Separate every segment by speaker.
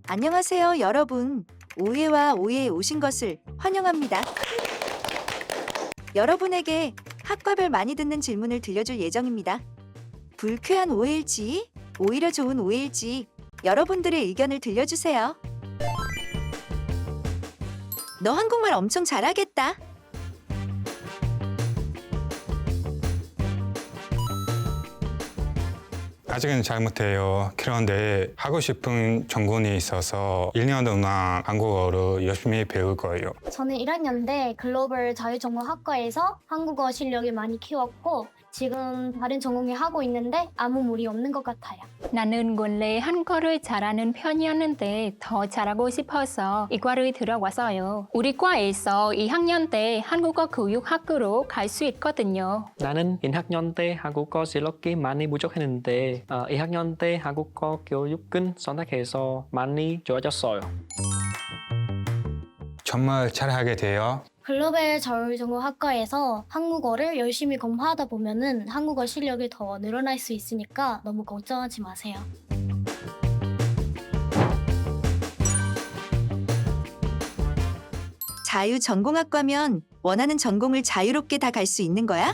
Speaker 1: 안녕하세요, 여러분. 오해와 오해에 오신 것을 환영합니다. 여러분에게 학과별 많이 듣는 질문을 들려줄 예정입니다. 불쾌한 오해일지, 오히려 좋은 오해일지 여러분들의 의견을 들려주세요. 너 한국말 엄청 잘하겠다.
Speaker 2: 아직은 잘 못해요. 그런데 하고 싶은 전공이 있어서 1년 동안 한국어를 열심히 배울 거예요.
Speaker 3: 저는 1학년 때 글로벌 자유전공학과에서 한국어 실력을 많이 키웠고 지금 다른 전공을 하고 있는데 아무 무리 없는 것 같아요.
Speaker 4: 나는 원래 한국어를 잘하는 편이었는데 더 잘하고 싶어서 이과를 들어왔어요. 우리 과에서 2학년 때 한국어 교육학교로 갈 수 있거든요.
Speaker 5: 나는 1학년 때 한국어 실력이 많이 부족했는데 2학년 때 한국어 교육을 선택해서 많이 좋아졌어요.
Speaker 2: 정말 잘하게 돼요.
Speaker 3: 글로벌 자유전공학과에서 한국어를 열심히 공부하다 보면은 한국어 실력이 더 늘어날 수 있으니까 너무 걱정하지 마세요.
Speaker 1: 자유전공학과면 원하는 전공을 자유롭게 다 갈 수 있는 거야?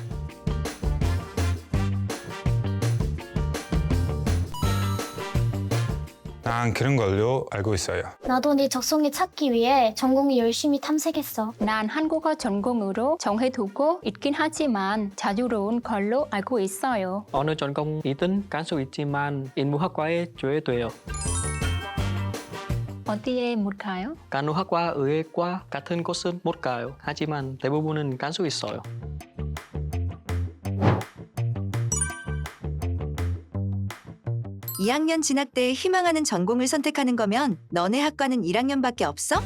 Speaker 2: 난 그런 걸로 알고 있어요.
Speaker 3: 나도 네 적성에 찾기 위해 전공을 열심히 탐색했어.
Speaker 4: 난 한국어 전공으로 정해두고 있긴 하지만 자유로운 걸로 알고 있어요.
Speaker 5: 어느 전공이든 갈 수 있지만 인문학과에 줘야 돼요.
Speaker 4: 어디에 못 가요?
Speaker 5: 간호학과, 의학과 같은 곳은 못 가요. 하지만 대부분은 갈 수 있어요.
Speaker 1: 이 2학년 진학 때 희망하는 전공을 선택하는 거면 너네 학과는 1학년밖에 없어?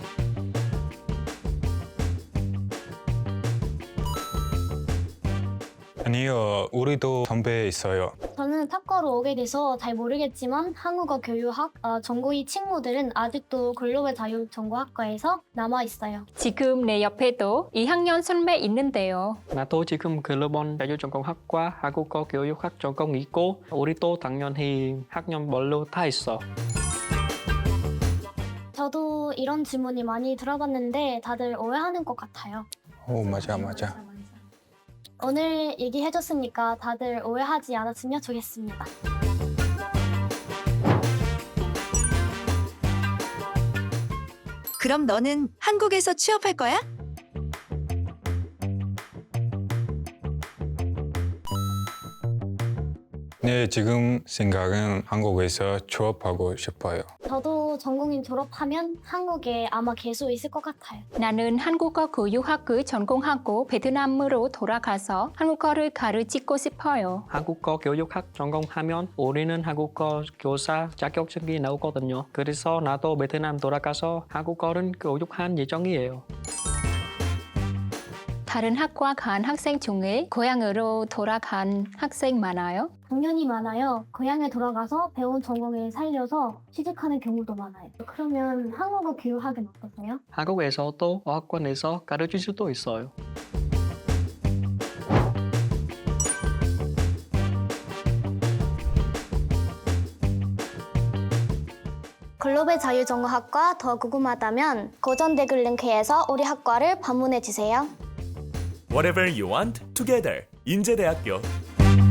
Speaker 2: 아니요, 우리도 선배 있어요.
Speaker 3: 저는 탁과로 오게 돼서 잘 모르겠지만 한국어 교육학 전공의 친구들은 아직도 글로벌 자유전공학과에서 남아 있어요.
Speaker 4: 지금 내 옆에도 2학년 선배 있는데요.
Speaker 5: 나도 지금 글로벌 자유전공학과 한국어 교육학 전공이 있고 우리도 당연히 학년별로 다 있어.
Speaker 3: 저도 이런 질문이 많이 들어봤는데 다들 오해하는 것 같아요.
Speaker 2: 오, 맞아.
Speaker 3: 오늘 얘기해줬으니까 다들 오해하지 않았으면 좋겠습니다.
Speaker 1: 그럼 너는 한국에서 취업할 거야?
Speaker 2: 네, 지금 생각은 한국에서 취업하고 싶어요.
Speaker 3: 저도 전공인 졸업하면 한국에 아마 계속 있을 것 같아요.
Speaker 4: 나는 한국어 교육학을 전공하고 베트남으로 돌아가서 한국어를 가르치고 싶어요.
Speaker 5: 한국어 교육학 전공하면 우리는 한국어 교사 자격증이 나오거든요. 그래서 나도 베트남 돌아가서 한국어를 교육한 예정이에요.
Speaker 4: 다른 학과 간 학생 중에 고향으로 돌아간 학생 많아요?
Speaker 3: 당연히 많아요. 고향에 돌아가서 배운 전공을 살려서 취직하는 경우도 많아요. 그러면 한국어 교육학은 어떠세요?
Speaker 5: 한국에서도 어학원에서 가르칠 수도 있어요.
Speaker 3: 글로벌 자유전공학과 더 궁금하다면 고전 댓글 링크에서 우리 학과를 방문해 주세요.
Speaker 6: Whatever you want, together. 인제대학교.